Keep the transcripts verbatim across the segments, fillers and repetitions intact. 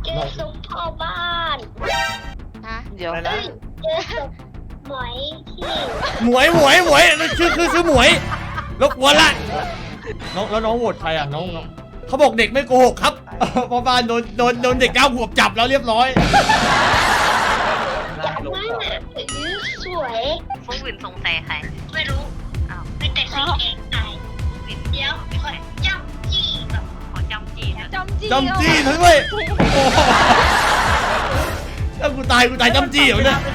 เจอศพพ่อบ้านฮะเดี๋ยวเอ้ยเจอศพหมอยที่หมวยหมวยหมวยชื่อคือชื่อหมวยรบกวนละน้องแล้วน้องโหวตใครอ่ะน้องน้องเขาบอกเด็กไม่โกหกครับพ่อบ้านโดนโดนโดนเด็กเก้าขวบจับแล้วเรียบร้อยจับมากอื้อสวยพวกวินสงสัยใครไม่รู้อ้าวมีแต่สีเองตายเดี๋ยวขอจับจี้แบบขอจำจีนะจำจี้จำจี้ทั้งด้วยโอ้โหถ้ากูตายกูตายจำจี้เหรอเนี่ย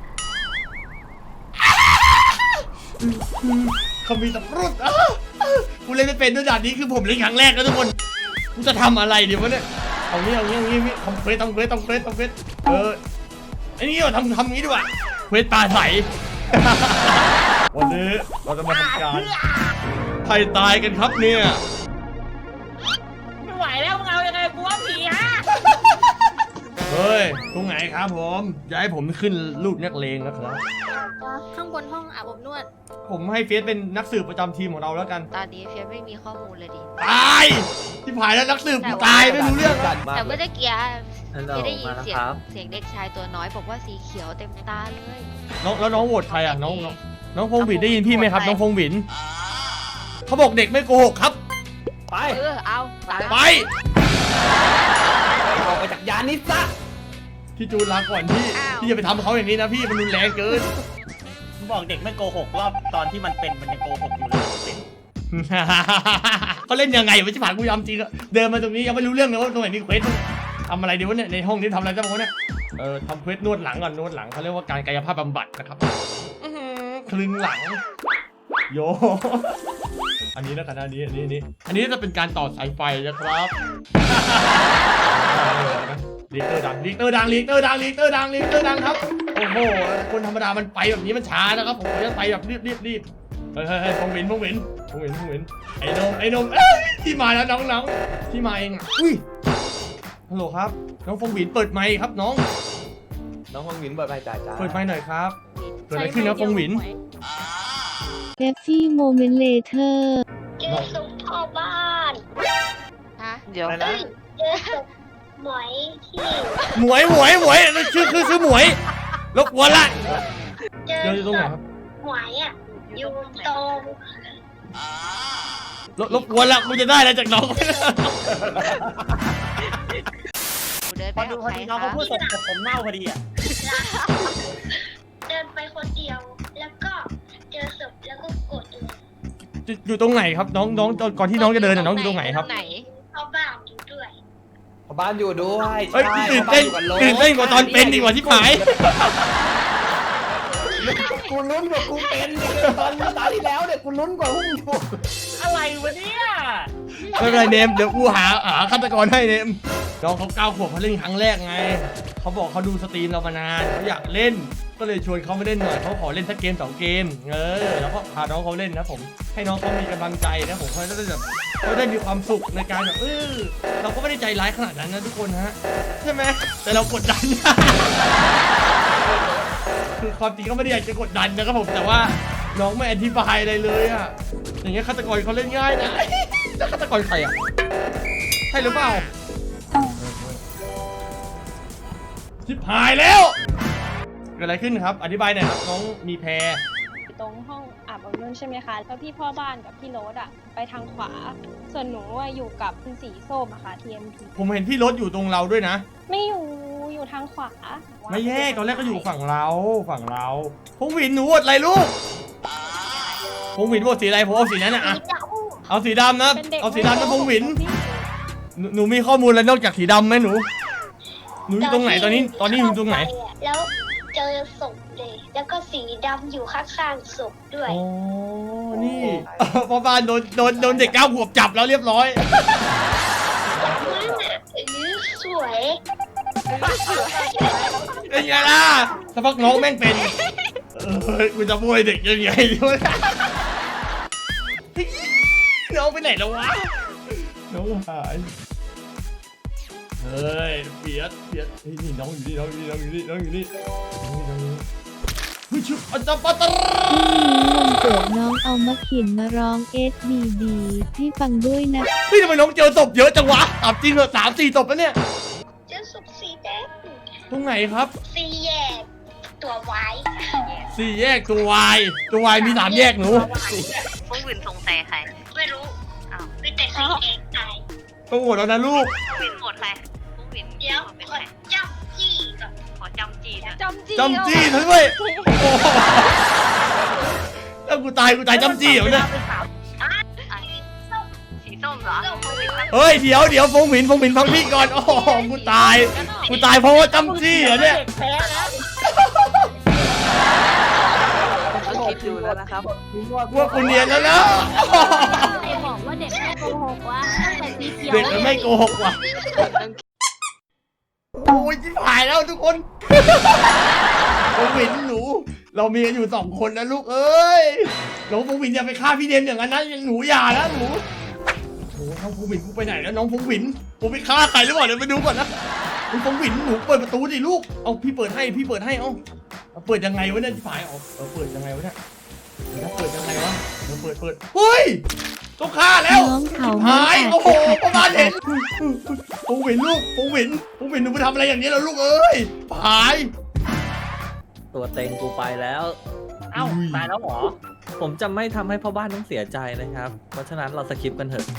เขามีตะปรุดอ้าวกูเล่นไม่เป็นด้วยด่านนี้คือผมเล่นครั้งแรกนะทุกคนกูจะทำอะไรเดี๋ยววะเนี่ยเอางี้เอางี้เอางี้ทำเควสทำเควสทำเควสทำเควสเออไอ้นี่เราทำทำงี้ดีกว่าเควสปลาใสวันนี้เราจะมาทำการใครตายกันครับเนี่ยไม่ไหวแล้วมึงเอายังไงกูว่าผีฮะเฮ้ยตรงไหนครับผมจะให้ผมขึ้นรูปนักเลงนะครับข้างบนห้องอาบอบนวดผมให้เฟียสเป็นนักสืบประจำทีมของเราแล้วกันตอนนี้เฟียสไม่มีข้อมูลเลยดิตายที่ผ่านแล้วนักสืบกูตายไม่รู้เรื่องอะแต่เมื่อกี้ฮัลโหลไม่ได้ยินมาแล้วเสียคงรับเสียงเด็กชายตัวน้อยบอกว่าสีเขียวเต็มตาเลยน้องแล้วน้องโหวตใครอ่ะน้องน้องน้องพงศ์หวินได้ยินพี่ไหมครับน้องพงศ์หวินเขาบอกเด็กไม่โกหกครับไปเออเอาตามไปออกไปจากยานนี้ซะพี่จูนลาก่อนพี่พี่อย่าไปทำเขาอย่างนี้นะพี่มันรุนแรงเกินผมบอกเด็กไม่โกหกรอบตอนที่มันเป็นมันยังโกหกอยู่เลยเป็นเขาเล่นยังไงวะที่ผ่านกูยอมจริงอะเดินมาตรงนี้ยังไม่รู้เรื่องเลยว่าตรงไหนมีเควสทำอะไรดีวะเนี่ยในห้องนี้ทำอะไรจ้าวะเนี่ยเออทำเควสนวดหลังก่อนนวดหลังเขาเรียกว่าการกายภาพบำบัดนะครับอื้อหือคลึงหลังโยอันนี้นะกันอันนี้อันนี้อันนี้อันนี้จะเป็นการต่อสายไฟนะครับลีเตอร์ดังลีเตอร์ดังลีเตอร์ดังลีเตอร์ดังลีเตอร์ดังครับโอ้โหคนธรรมดามันไปแบบนี้มันช้านะครับผมจะไปแบบรีบรีบรีบเฮ้ยเฮ้ยพงวินพงวินพงวินพงวินไอ้นมไอ้นมเอ้ยที่มาแล้วน้องน้องที่มาเองอะอุ้ยฮัลโหลครับน้องพงวินเปิดไมค์ครับน้องน้องห้องวินเปิดไฟจ่ายจ้าเปิดไมค์หน่อยครับเกิดอะไรขึ้นนะพงวินเอฟซี่โมเมนต์เลเทอร์เจอศพพ่อบ้านฮะเดี๋ยวอะไรนะเอ้ยเจอศพหมอยที่หมวยหมวยหมวยชื่อคือชื่อหมวยรบกวนละเจอเดี๋ยวอยู่ตรงไหนครับหมอยอ่ะอยู่ตรงรบรบกวนละกูจะได้แล้วจากน้องเดินพไปอดูพอดีน้องเขาพูดสดกับผมเน่าพอดีอ่ะเดินไปคนเดียว แล้วก็เจอศพแล้วก็กดเลยอยู่อยู่ตรงไหนครับน้องน้องก่อนที่น้องจะเดินน่ะน้องอยู่ตรงไหนครับไหนพ่อบ้านอยู่ด้วยพอบ้านอยู่ด้วยเอ้ยใช่ตื่นเต้นพ่อบ้าอยู่กับโลตื่นเต้นกว่าตอนเป็นดีกว่าที่ผายกูลุ้นกว่ากูเป็นเนี่ยตอนตาที่แล้วเนี่ยกูลุ้นกว่าหุ้มอยู่อะไรวะเนี่ยไม่เป็นไรเนมเดี๋ยวกูหาหาฆาตกรให้เนมน้องเขาเก้าขวบเขาเล่นครั้งแรกไงเขาบอกเขาดูสตรีมเรามานานเขาอยากเล่นก็เลยชวนเขามาเล่นหน่อยเขาขอเล่นสักเกมสองเกมเออแล้วก็พาน้องเขาเล่นนะผมให้น้องเขามีกำลังใจนะผมเขาจะได้แบบเขาได้มีความสุขในการแบบเออเราก็ไม่ได้ใจร้ายขนาดนั้นนะทุกคนฮะใช่ไหมแต่เรากดดัน คือความจริงก็ไม่ได้อยากจะกดดันนะครับผมแต่ว่าน้องไม่อธิบายอะไรเลยอะอย่างเงี้ยฆาตกรเขาเล่นง่ายนะ แล้วฆาตกรใครอะใช่หรือเปล่าชิบหายแล้วเกิดอะไรขึ้นครับอธิบายหน่อยครับน้องมีแพรตรงห้องอาบอบนวดใช่ไหมคะ แล้วพี่พ่อบ้านกับพี่โรสอะไปทางขวา ส่วนหนูอะอยู่กับคุณสีส้มอะค่ะ ที เอ็ม พีผมเห็นพี่รถอยู่ตรงเราด้วยนะไม่อยู่อยู่ทางขวาไม่แยกตอนแรกก็อยู่ฝั่งเราฝั่งเราพงหวินหนูโหวตอะไรลูกพงหวินโหวตสีอะไรผมเอาสีนั้นนะอะสีดเอาสีดำนะเป็นเด็กเอาสีดำนะพงหวินพี่หนูหนูมีข้อมูลอะไรนอกจากสีดำไหมหนูหนูำอยู่ตรงไหนตอนนี้ตอนนี้อยู่ตรงไหนแล้วเจอศพเลย แล้วก็สีดำอยู่ข้างๆศพด้วยอ๋อนี่ พ่อบ้านโดนโดนโดนเด็กเก้าขวบจับแล้วเรียบร้อยจับมากอื้อสวยเป็นไงล่ะสักพักน้องแม่งเป็นเออกูจะบวยเด็กยังไงด้วยน้องไปไหนแล้ววะน้องหายเฮ้ยเปียดเปียดเฮ้ยนี่น้องอยู่นี่น้องอยู่นี่น้องอยู่นี่น้องอยู่นี่น้องอยู่นี่น้องอยู่นี่เฮ้ยชุบอันจับปะตะพรุ่งนี้วันเกิดน้องเอามะขินมาร้องเอสดีดีให้ฟังด้วยนะเฮ้ยทำไมน้องเจอศพเยอะจังวะถามจริงเหรอสามสี่ศพแล้วเนี่ยเจเจอศพสีแดงตรงไหนครับสีแยกตัวไว้สี่แยกตัววายตัววายมีสามแยกหนูฟุ้งวินสงสัยใครไม่รู้อ้าวมีแต่สีแดงตายต้องโหวตแล้วนะลูกฟุ้งวินโหวตใครฟุ้งวินเดี๋ยวเป็นขใคอรจำจี้ก่อนขอจำจีนอะจำจีจำจี้เธอด้วยโอ้โหแล้วกูตายกูตายจำจี้เหรอเนี่ยอ่ะสีส้มเหรอฟุ้งวินปะเฮ้ยเดี๋ยวเดี๋ยวฟงหมินฟงหมินฟังพี่ก่อนโอ้โหกูตายกูตายเพราะว่าจำจี้เหรอเนี่ยแพ้นะก็คิดดูแล้วนะครับพวกกูเนียนแล้วนะใครบอกว่าเด็กไม่โกหกวะตั้งแต่สีเขียวเด็กมันไม่โกหกว่ะโอ้ยจิ้มหายแล้วทุกคนฟงหมินหนู เรามีกันอยู่สองคนนะลูกเอ้ยน้องฟงหมินอย่าไปฆ่าพี่เดนอย่างนั้นนะหนูอย่านะหนูโอ้น้องฟงหมินกูไปไหนแล้วน้องฟงหมินกูไปฆ่าใครหรือเปล่าเดี๋ยวไปดูก่อนนะคุณฟงหมินหนูเปิดประตูดิลูกเอาพี่เปิดให้พี่เปิดให้เอาเอาเปิดยังไงวะเนี่ยที่ฝ่ายเอาเอาเปิดยังไงวะเนี่ยเดี๋ยวนะเปิดยังไงวะเดี๋ยวเปิดเปิดเฮ้ยต้องฆ่าแล้วน้องเขาหายโอ้โหประมาณเห็นฟงหมินลูกฟงหมินฟงหมินหนูไปทำอะไรอย่างนี้แล้วลูกเอ้ยหายตัวเต็งกูไปแล้วเอ้าตายแล้วเหรอผมจะไม่ทำให้พ่อบ้านต้องเสียใจนะครับ เพราะฉะนั้นเราสคิปกันเถอะ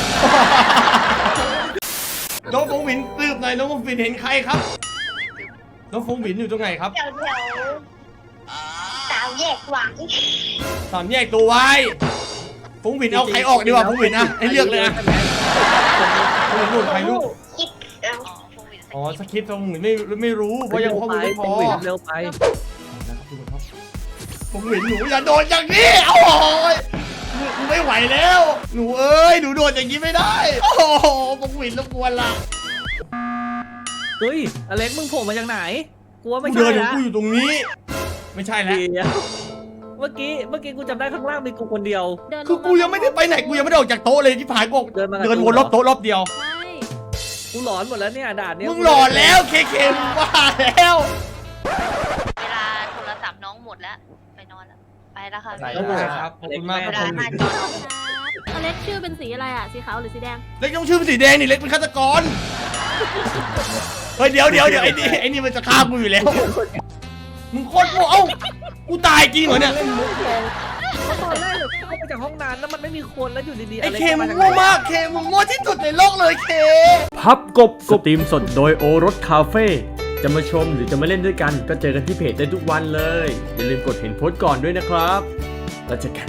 น้องฟงหมินสืบหน่อยน้องฟงหมินเห็นใครครับน้องฟงหมินอยู่ตรงไหนครับแถวแถวสาวแยกหวังสามแยกตัวไว้ฟงหมินเอาใครออกดีกว่าฟงหมินนะให้เลือกเลยนะฟงหมินลูกใครลูกคิดเอาอ๋อฟุ้งวินสอ๋อสคริปต์ฟงหมินไม่ไม่รู้เพราะยังข้อมูลไม่พอเร็วไปเร็วไปนะครับทุกคนครับฟงหมินหนูอย่าโดนอย่างนี้โอ้ยหนูไม่ไหวแล้ว หนูเอ้ยหนูโดนอย่างนี้ไม่ได้โอ้โหฟงหมินรบกวนละเฮ้ยอเล็กมึงโผล่มาจากไหนกูว่าไม่กูใช่เดินอยู่นะกูอยู่ตรงนี้ ไม่ใช่แล้วเดี๋ยวเมื่อกี้เมื่อกี้กูจำได้ข้างล่างมีกูคนเดียวคือกูยังไม่ได้ไปไหนกูยังไม่ได้ออกจากโต๊ะเลยที่ผายกูเดินมากับเดินวนรอบโต๊ะรอบเดียวใช่กูหลอนหมดแล้วเนี่ยด่านเนี้ยมึงหล่อแล้วเคเคมึงว่าแล้วเวลาโทรศัพท์น้องหมดแล้ว ไปนอนแล้ว ไปแล้วค่ะไปแล้วแล้วครับขอบคุณมากเวครับลาผมห้าจออเล็กชื่อเป็นสีอะไรอ่ะ สีขาวหรือสีแดงเล็กต้องชื่อเป็นสีแดงนี่เล็กเป็นฆาตกรเฮ้ยเดี๋ยวเดี๋ยวเดี๋ยวไอ้นี่ไอ้นี่มันจะฆ่ากูอยู่แล้วมึงโคตรโง่เอ้ากูตายจริงเหรอเนี่ยตอนแรกเข้าไปจากห้องน้ำแล้วมันไม่มีคนแล้วอยู่ดีๆไอ้อล็กเคมึงจโง่มากเคมึงโง่ที่สุดในโลกเลยเคพับกบสตรีมสดโดยโอรสคาเฟ่จะมาชมหรือจะมาเล่นด้วยกันก็เจอกันที่เพจได้ทุกวันเลย อย่าลืมกดเห็นโพสต์ก่อนด้วยนะครับ แล้วเจอกัน